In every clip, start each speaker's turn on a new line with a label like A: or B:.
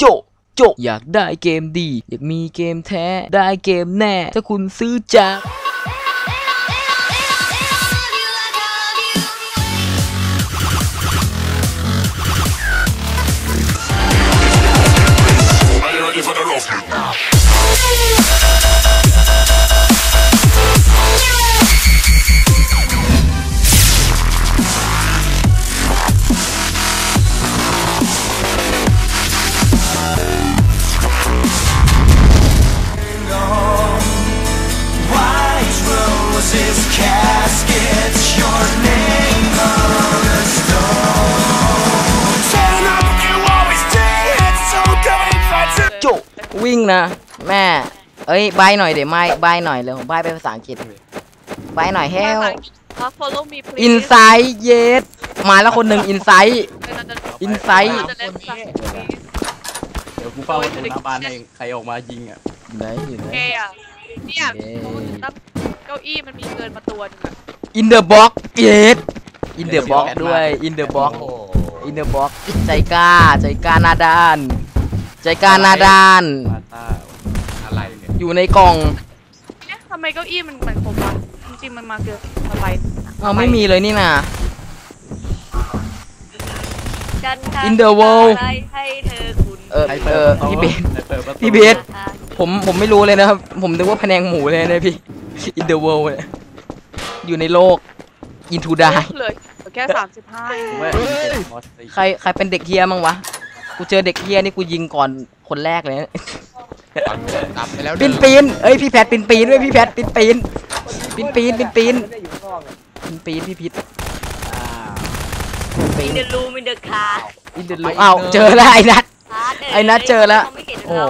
A: โจอยากได้เกมดีอยากมีเกมแท้ได้เกมแน่ถ้าคุณซื้อจากวิ่งนะแม่เอ้ยใบหน่อยเดี๋ยวไม่ใบหน่อยเลยผมใบเป็นภาษาอังกฤษใบหน่อย help inside yes มาแล้วคนหนึ่ง inside
B: เดี๋ยวกูเฝ้าประตูหน้าบ้านเองใครออกมายิงอ่ะ
A: ไหนอยู่ไหน
C: เนี่ยเก้าอี้มันมีเกินมาตัวนึงอะ
A: in the box yes in the box ด้วย in the box in the box ใจกล้าหน้าด้านใจกล้าหน้าด้าน
B: อะไรเนี่ย
A: อยู่ในกล่อง
C: เนี่ยทำไมเก้าอี้มันคมวะจริงๆมันมาเกินอะไร
A: เอาไม่มีเลยนี่นะ
C: In
A: the world
C: ให้เธอคุณ
A: พี่เบสผมไม่รู้เลยนะครับผมนึกว่าพะแนงหมูเลยนะพี่ In the world อยู่ในโลก Into die
C: เลยแค่35
A: ใครเป็นเด็กเฮียมั้งวะกูเจอเด็กเฮียนี่กูยิงก่อนคนแรกเลยปีนเอ้ยพี่แพทปีนด้วยพี่แพทปีนพี่พิษ
C: อินเดอร์รูมอินเดอร์คาร์
A: อินเดอร์รูมอ้าวเจอแล้วไอ้นัทเจอแล้วโอ้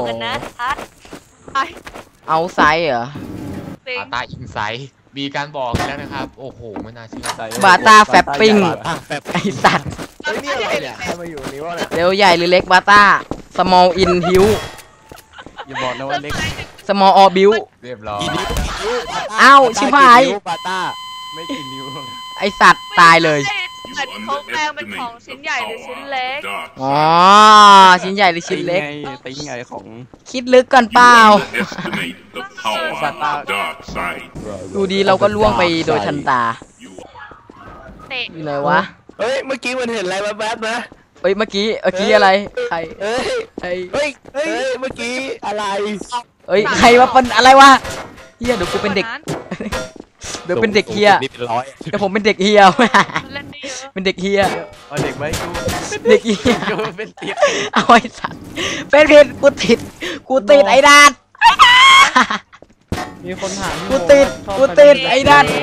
A: เอาไซส์เหรอบา
D: ตาอินไซด์มีการบอกแล้วนะครับโอ้โหไม่น่าเชื่อบ
A: าตาแฟบปิ้งไอสัตว์เร็วใหญ่หรือเล็กบาตา small in hill
B: อย่าบอกนะว่าเล็ก
A: small or build
D: เรียบร้อย
A: อ้าวชิบหาย
B: บาตาไม่กินนิ้ว
A: ไอสัตว์ตายเลย
C: เขาแปลงเป็นของชิ้นใหญ่หรือชิ้นเล็ก
A: อ๋อชิ้นใหญ่หรือชิ้นเล็ก
B: ติ้งไงของ
A: คิดลึกก่อนเปล่าดูดีเราก็ล่วงไปโดยทันตาอยู่ไหนวะ
B: เฮ้ยเมื่อกี้มันเห็นอะไรแวบๆนะ
A: เฮ้ยเมื่อกี้อะไรใครเ
B: ฮ้ยเมื่อกี้อะไร
A: เฮ้ยใครวะเป็นอะไรวะเฮียเดี๋ยวกูเป็นเด็กเดี๋ยวเป็นเด็กเฮียเดี๋ยวผมเป็นเด็กเฮียเป็นเด็กเฮีย
B: เอาเด็กไว้กู
A: เด็กเฮีย
B: เป็นเด็ก
A: เอาไอ้สัตว์เป็นผิดกูติดไอ้ดาน
B: มีคนถาม
A: กูติดไอ้ดาน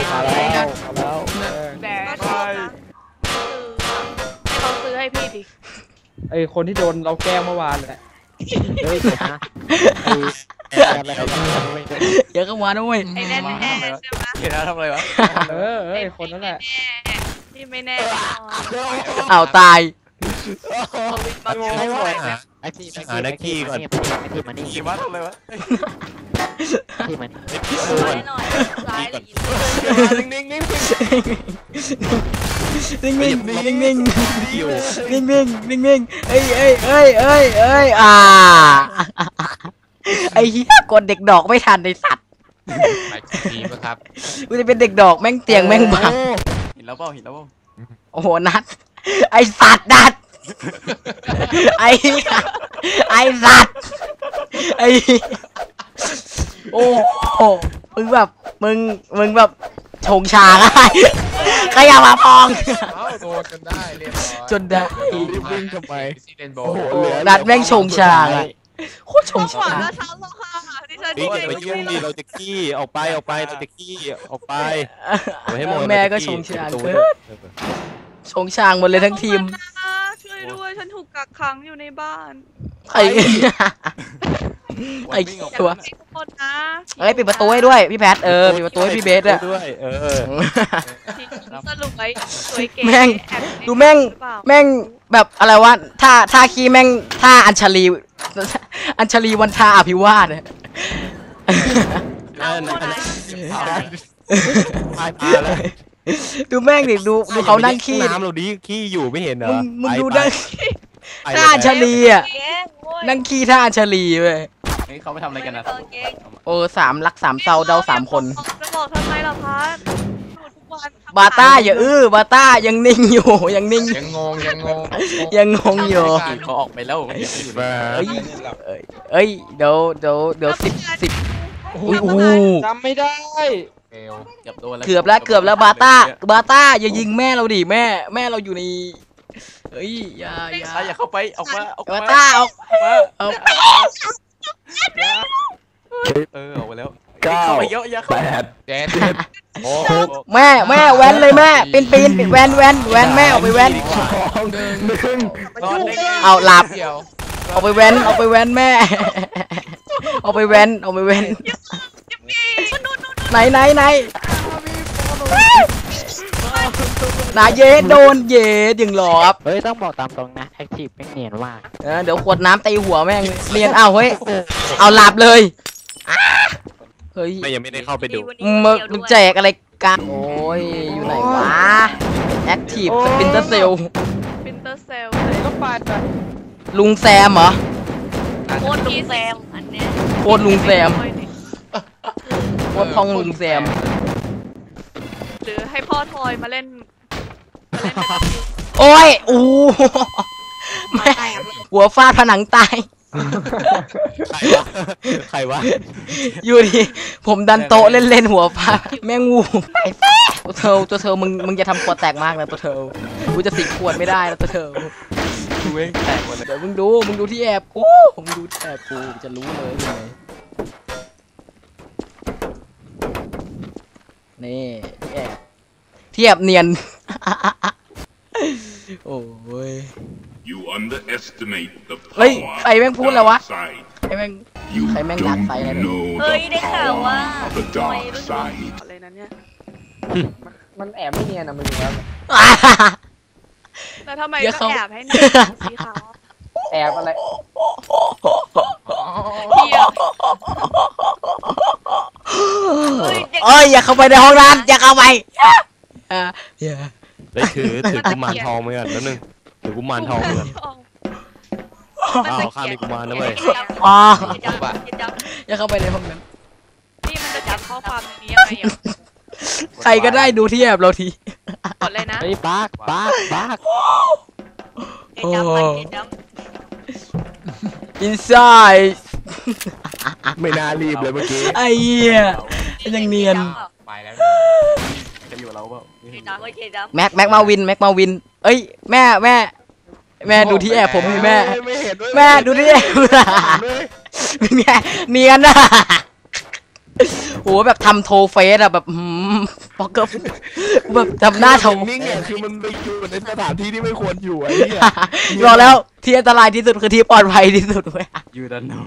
C: เขาซื้อให้พี่ดิ
B: ไอคนที่โดนเราแกล้งเมื่อวานแหละ
A: เยอะก็มาด้วย
C: ไอ้แน่ใช่ไหม
B: เห็นแล้วทำอะไรวะคนนั่นแหละ
C: ที่ไม่แน่
A: เอาตาย
D: ไอ้ที่หานักขี่ก่อน
B: ขี่มาทำอะไรวะ
D: ที่มัน
C: หน่อยซ้าย
B: นิ่ง
A: เอ้ยไอ้เหี้ยกดเด็กดอกไม่ทันในสัตว์
D: ไปทีมั้งครับ
A: กูจะเป็นเด็กดอกแม่งเตียงแม่งบัง
B: เห็นแล้วเปล่า
A: โอ้โหนัดไอ้สัตว์นัดไอ้สัตว์ไอ้โอ้โหมึงแบบชงชาอะไรใครอยากมาพอง
D: โดนจนได้เรียบร้อย
A: จนได้
B: วิ่งทำไม
A: นัดแม่งชงชาโคตรชงชา
B: ไปเยี่ยมดิเราจะขี้ออกไปเราจะขี้ออกไป
A: แม่ก็ชงชาชงชางหมดเลยทั้งทีม
C: ช่วยด้วยฉันถูกกักขังอยู่ในบ้าน
A: ไอ้ตัวเอ้ยปิดประตูให้ด้วยพี่แพทปิดประตูให้พี่เบส
B: ด้วย
C: สรุปไว้สวยเก๋
A: แม่งดูแม่งแบบอะไรวะท่าขี้แม่งท่าอัญชลีวันทาอภิวาสเนี่ยดูแม่งดิดูเขานั่งขี้
B: น้ำเราดีขี้อยู่ไม่เห็นเหรอ
A: มึงดูได้ท่าอัญชลีอ่ะ
E: เก่งโว้ย
A: นั่งขี้ท่าอัญชลีเว้ย
F: เฮ้ยเขาไปทำอะไรกันนะ
E: เก่ง
A: โอ้สามรักสามเศร้าเดาสามคน
C: จะบอกทำไมล่ะพัดดูทุกวัน
A: บาต้าอย่าบาต้ายังนิ่งอยู่ยังนิ่งอยู่
D: ยังงงยังงง
A: ยังงงอยู่
F: เขาออกไปแล้วอยู่
B: มา
A: เอ้ยเดี๋ยวสิบอุ้ยอู้
G: จำไม่ได้
D: เอว
F: เกือบโดนแล้ว
A: เกือบแล้วบาต้าอย่ายิงแม่เราดิแม่เราอยู่ในเฮ้ยอย่า
F: อย่าเข้าไปออกมาออก
A: บา
F: มา
A: ต้าเอา
F: ออกไปแล้ว
B: 9
F: เข้าไปเยอะอย่าเข้า
D: เจ็ดโอ้
A: แม่แว้นเลยแม่ปีนแว้นแม่เอาไปแว้น
F: นอนได้ไง
A: เอาหลับ
D: เดียว
A: เอาไปแว้นแม่เอาไปแว้นไหนนาเยสโดนเยสยังหลอบ
H: เฮ้ยต้องบอกตามตรงนะแอคทีฟไม่เนียนมาก
A: เดี๋ยวขวดน้ำตีหัวแม่งเรียนเอาเฮ้ยเอาหลับเลยเฮ้ย
B: ไม่ยังไม่ได้เข้าไปดู
A: มึงแจกอะไรกันโอ้ยอยู่ไหนวะแอคทีฟสปินเตอร์เซล
C: ปินเตอร์เซล
G: ก็ไปไป
A: ลุงแซมเหรอ
E: โคตรลุงแซมอันเนี้ย
A: โคตรลุงแซมโคตรพองลุงแซม
C: หรือให้พ่อทอยมาเล่น
A: โอ้ยอู้แม่หัวฟาดผนังตาย
B: ใครวะ
A: อยู่ดิผมดันโต๊ะเล่นหัวฟาดแม่งูไอ้แซ่ตัวเธอมึงจะทำขวดแตกมากนะตัวเธอกูจะสิขวดไม่ได้นะตัวเธอ
F: ดูเองแตกหมดเลย
A: เดี๋ยวมึงดูที่แอบกูผมดูที่แอบกูจะรู้เลยยังไงนี่ที่แอบเนียน โอ้ย
I: You underestimate the
A: เฮ้ย
I: power
A: ใครแม่งพูดแล้ววะ
I: of the dark side.
A: ใครแม่ง
I: You
A: Thầy mang đặt tay này
I: don't
A: nè.
I: know
E: เฮ้ย
I: the
E: ได้ข่าวว่า
I: power of the
E: ทำไม
I: dark
E: รู้สึก
I: side.
C: อะไรนะเนี่ย
G: มันแอบไม่เนียนนะมึงอยู่แล้ว
C: แล้วทำไม
A: เดี๋ยว
C: ก็
A: เขา
C: แอบให้หนูสีขาว
G: แอบอะไร
C: เพีย
E: เฮ้ยเด็ก
A: เอ้ยอย่าเข้าไปในห้องนั้นอย่าเข้าไปอย่า
B: ได้ถือกุมารทองมาก่อนแล้วนึงถือกุมารทองมาก่อนอ้าวข้ามมีกุมารนะเว้ย
A: อ๋อ
E: จับจับ
A: อย่าเข้าไปในห้องนั้น
C: นี่มันจะจับข้อความในนี้ยังไงอ่ะ
A: ใครก็ได้ดูที่แอบเราที
C: กดเลยนะ
H: เฮ้ยบัก
E: จับไปจับ
A: inside
B: ไม่น่ารีบเลยเมื่อกี้
A: ไอ้เหี้ยยังเนียน
D: ไปแล้ว
F: จะอยู่เราเปล่า
E: จับไปจับ
A: แม็กมาวินเอ้ยแม่ดูที่แอบผมนี่แม่
B: ไม่เห็นด้วย
A: แม่ดูที่แอบเป็นไงเนียนอะโหแบบทำโทเฟสอะแบบปอกเกอร์แบบทำหน้าโท
B: นิ่งเนี่ยคือมันไปอยู่ในสถานที่ที่ไม่ควรอยู่ไอ้เนี่ย
A: บอกแล้วที่อันตรายที่สุดคือที่ปลอดภัยที่สุดเว้ย
F: ยูดันโน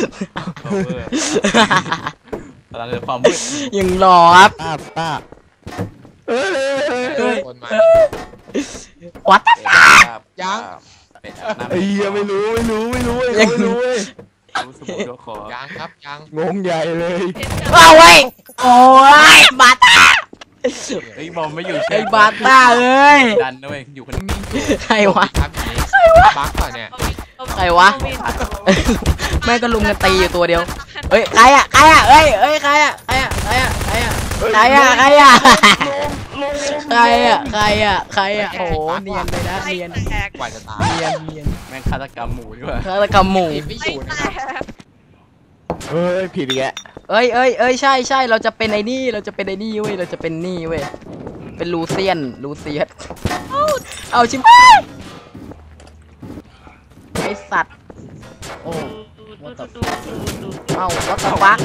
F: พลังในความมืด
A: ยังรอครับ
B: ป้าเอ้ย
D: คนมา
A: วัด
D: ยัง
B: ไอ้เหี้ยไม่รู้เว้ย
F: รู้สมุดตัวคอ
D: ยังครับยัง
B: งงใหญ่เลย
A: เอาไว้โอ้ยบาต้า
F: เฮ้ยบอมไม่อยู่
A: ไอ้บาต้าเอ้ย
F: ดันด้วยอยู่คนนี้
A: ใครวะ
D: ครับบักก่อนเนี่ย
A: ใครวะ แม่ก็ลุมกันตีอยู่ตัวเดียวเฮ้ยใครอะเอ้ยใครอะโอ้โหเนียนเลยนะเนียน
C: แตก
D: กว่าจะตาย
A: เนียน
F: แม่งฆาตกรรมหมูดีกว่า
A: ฆาตกรรมหมู่
D: ไม่อยู่นะ
B: เฮ้ยผิดอีกแล้ว
A: เอ้ยใช่เราจะเป็นไอ้นี่เว้ยเราจะเป็นนี่เว้ยเป็นลูเซียนเอาชิบหายไอสัตว์โอ้เอาวัตถุฟัก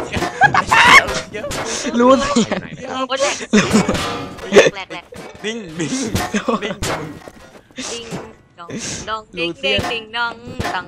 A: ลูเซียน
E: โอ้ยแหลก
F: นิ่งนิ่งนิ่งมึง
E: ดิงดองดิงดิงดิงดองดัง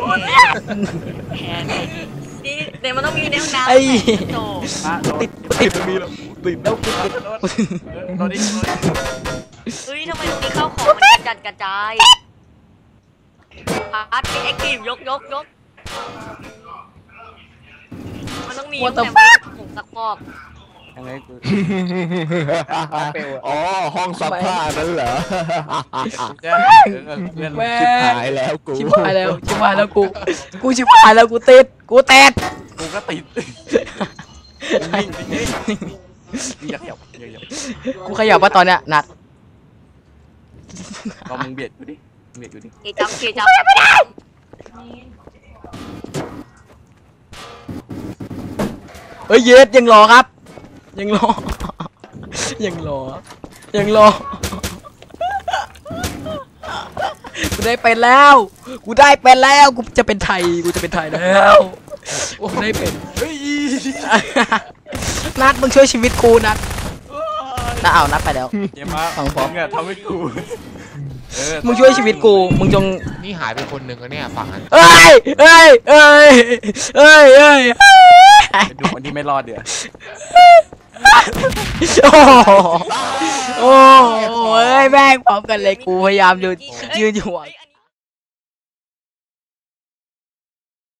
E: นี่เดี๋ยวมันต้องมีแนวน้ำ
A: ไอ้
E: โต
A: ติด
F: มีแล้วติดแล้วโดนดิ
E: เฮ้ยทำไมตรงนี้ข้าวของมันกระจายพาร์ทเป็นแอคทีฟยกมันต้องมีแต่ผงสักฟอก
F: ยังไงกู
B: อ๋อห้องซักผ้านั่นเหรอ
F: เพื่อน
A: แม่
B: ชิบหายแล้วกู
A: ชิบหายแล้วชิบหายแล้วกูชิบหายแล้วกูติดกูแตก
F: กูก็ติดนิ่งอย่าขยับอย่าขยับ
A: กูขยับว่าตอนเนี้ยนัด
F: ก็มึงเบียดกูดิเบียดกูดิ
E: เกจำเกจำไม่ได้
A: เฮ้ยเย็ดยังรอครับ ยังรอยังรอยังรอกูได้เป็นแล้วกูได้เป็นแล้วกูจะเป็นไทยกูจะเป็นไทยแล้วกูได้เป็น
F: เฮ้ย
A: นัดมึงช่วยชีวิตกูนัดนัดเอานัดไปแล้ว
F: เยี่ยมมาก
A: ฟังพร้อม
F: เนี่ยทำให้กู
A: มึงช่วยชีวิตกูมึงจง
D: นี่หายไปคนหนึ่งแล้วเนี่ยฝั่งนั้น
A: เอ้ยเอ้ยเอ้ยเอ้ยเอ้ย
F: ไปดูคนที่ไม่รอดเดี๋ยว
A: โอ้โหโอ้โหเอ้ยแม่งพร้อมกันเลยกูพยายามยืนอยู่